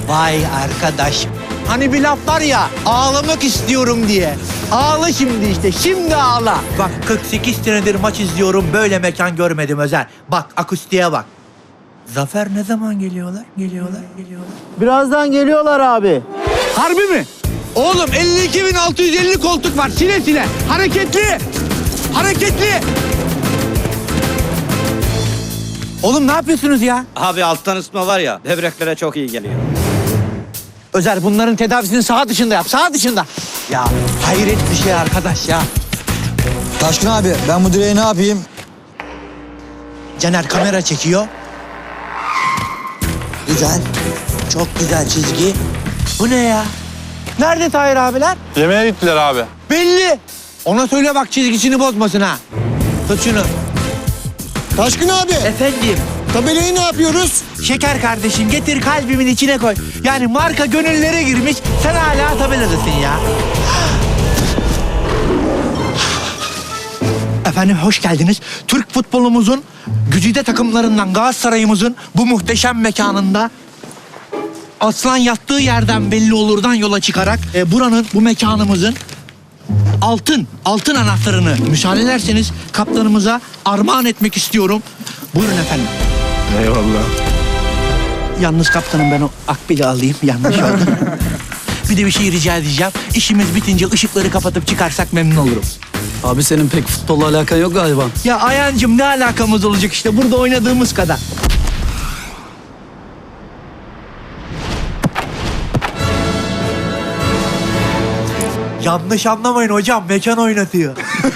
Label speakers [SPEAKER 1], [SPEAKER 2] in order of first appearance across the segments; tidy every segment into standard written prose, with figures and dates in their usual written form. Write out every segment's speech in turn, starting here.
[SPEAKER 1] Vay arkadaş. Hani bir laf var ya, ağlamak istiyorum diye. Ağla şimdi işte, şimdi ağla. Bak 48 senedir maç izliyorum, böyle mekan görmedim Özer. Bak akustiğe bak. Zafer ne zaman geliyorlar? Geliyorlar.
[SPEAKER 2] Birazdan geliyorlar abi.
[SPEAKER 1] Harbi mi? Oğlum 52.650 koltuk var, sile sile. Hareketli. Hareketli. Oğlum ne yapıyorsunuz ya?
[SPEAKER 3] Abi alttan ısıtma var ya, böbreklere çok iyi geliyor.
[SPEAKER 1] Özer bunların tedavisini saha dışında yap, saha dışında. Ya hayret bir şey arkadaş ya.
[SPEAKER 2] Taşkın abi ben bu direği ne yapayım?
[SPEAKER 1] Caner kamera çekiyor.
[SPEAKER 2] Güzel. Çok güzel çizgi.
[SPEAKER 1] Bu ne ya? Nerede Tahir abiler?
[SPEAKER 4] Yemeğe gittiler abi.
[SPEAKER 1] Belli. Ona söyle bak çizgisini bozmasın ha. Tut şunu.
[SPEAKER 2] Taşkın abi
[SPEAKER 1] Efendim.
[SPEAKER 2] tabelayı ne yapıyoruz?
[SPEAKER 1] Şeker kardeşim getir kalbimin içine koy. Yani marka gönüllere girmiş. Sen hala tabeladasın ya. Efendim hoş geldiniz. Türk futbolumuzun güzide takımlarından Galatasaray'ımızın bu muhteşem mekanında aslan yattığı yerden belli olurdan yola çıkarak buranın, bu mekanımızın altın anahtarını müsaade ederseniz kaptanımıza armağan etmek istiyorum. Buyurun efendim.
[SPEAKER 4] Eyvallah.
[SPEAKER 1] Yalnız kaptanım ben o akbili alayım. Yanlış oldu. Bir de bir şey rica edeceğim. İşimiz bitince ışıkları kapatıp çıkarsak memnun olurum.
[SPEAKER 5] Abi senin pek futbolla alakan yok galiba.
[SPEAKER 1] Ya Ayancığım ne alakamız olacak işte burada oynadığımız kadar. Yanlış anlamayın hocam, mekan oynatıyor.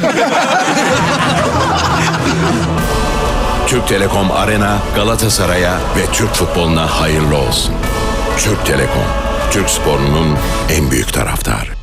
[SPEAKER 6] Türk Telekom Arena Galatasaray'a ve Türk futboluna hayırlı olsun. Türk Telekom, Türk sporunun en büyük taraftarı.